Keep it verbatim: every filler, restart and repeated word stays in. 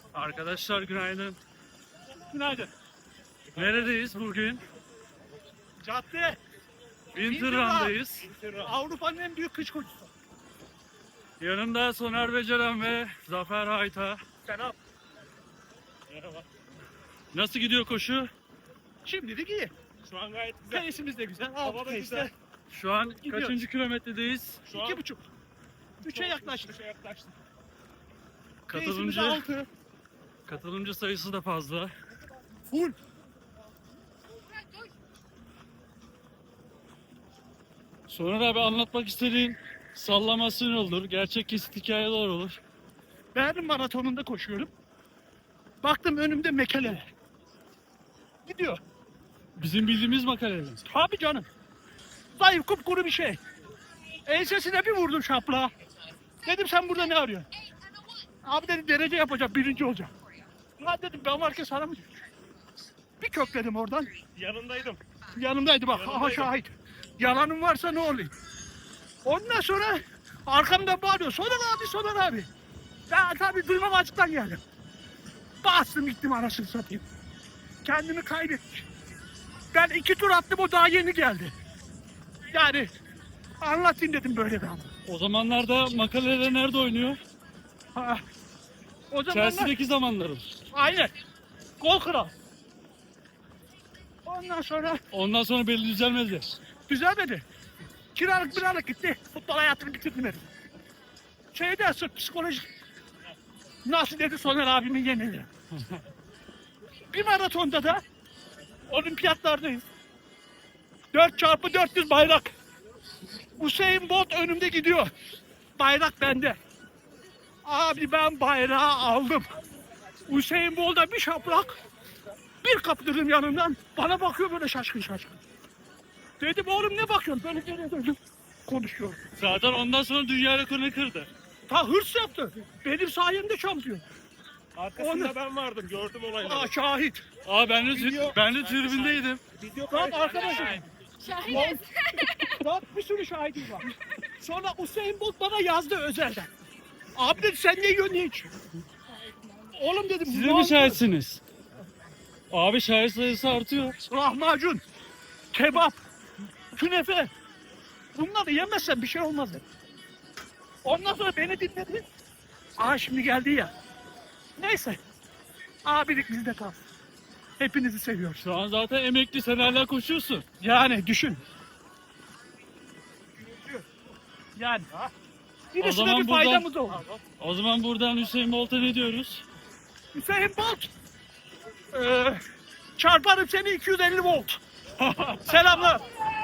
Arkadaşlar günaydın. Günaydın. Neredeyiz bugün? Cadde. Winter Run'dayız. Avrupa'nın en büyük kış koşusu. Yanımda Soner Beceren ve Zafer Hayta. Selam. Merhaba. Nasıl gidiyor koşu? Şimdilik iyi. Şu an gayet güzel. Pace'imiz de güzel. Hava Hava da güzel. Şu an Gidiyoruz. kaçıncı kilometredeyiz? Şu an İki buçuk. Üçe yaklaştık. Üçe yaklaştık. Pace'imiz Katılımcı, altı. katılımcı sayısı da fazla. Full. Soner abi anlatmak istediğin sallamasyon olur, gerçek kesit hikayeler olur. Berlin maratonunda koşuyorum. Baktım önümde mekele. Gidiyor. Bizim bildiğimiz makaleler. Tabii canım. Zayıf kupkuru bir şey. Ensesine bir vurdum şapla. Dedim sen burada ne arıyorsun? Abi dedi derece yapacak, birinci olacak. Lan dedim ben varken sana mı diyor? Bir kökledim oradan. Yanındaydım. Yanımdaydı bak, aha Yanındaydım. şahit. Yalanım varsa ne olayım? Ondan sonra arkamdan bağırıyor. Soner abi, Soner abi. Ya tabii duymam açıktan geldim. Bastım gittim anasını satayım. Kendimi kaybettim. Ben iki tur attım, o daha yeni geldi. Yani anlatayım dedim böyle bir an. O zamanlarda makaleler nerede oynuyor? Ha. O zamanlar Chelsea'deki zamanları. aynen. Gol kral. Ondan sonra Ondan sonra belli düzelmedi. düzelmedi. Kiralık biralık gitti. Futbol hayatını bitirdim herif. Şeyden sırf psikolojik. Nasıl dedi Soner abimin yenili. Bir maratonda da olimpiyatlardayız. dört çarpı dört yüz bayrak. Usain Bolt önümde gidiyor. Bayrak bende. Abi ben bayrağı aldım. Usain Bolt'a bir şaplak. Bir kaptırdım yanından. Bana bakıyor böyle şaşkın şaşkın. Dedim oğlum ne bakıyorsun? Böyle geriye döndüm. Konuşuyor. Zaten ondan sonra dünya rekorunu kırdı. Ta hırs yaptı. Benim sayemde şampiyon. Arkasında Onu- ben vardım. Gördüm olayları. Aa şahit. Aa ben de, Video- ben de tribündeydim. Video Bak kaydı. arkadaşım. Şahidiz. Bak bir sürü şahidim var. Sonra Usain Bolt bana yazdı özelden. Abi dedi sen ne yiyorsun ne içiyorsun? Oğlum dedim. Siz ne de mi oldu? şahitsiniz? Abi şahit sayısı artıyor. Lahmacun, kebap, künefe. Bunları yemezsen bir şey olmaz dedi. Ondan sonra beni dinledi. Aa şimdi geldi ya. Neyse. Abilik bizde kalsın. Hepinizi seviyoruz. Şu an zaten emekli, sen hala koşuyorsun. Yani düşün. Yani. Birisine zaman bir buradan- faydamız oldu. O zaman buradan Hüseyin Bolt'a ne diyoruz? Hüseyin Bolt. Ee, çarparım seni iki yüz elli volt. Selamlar.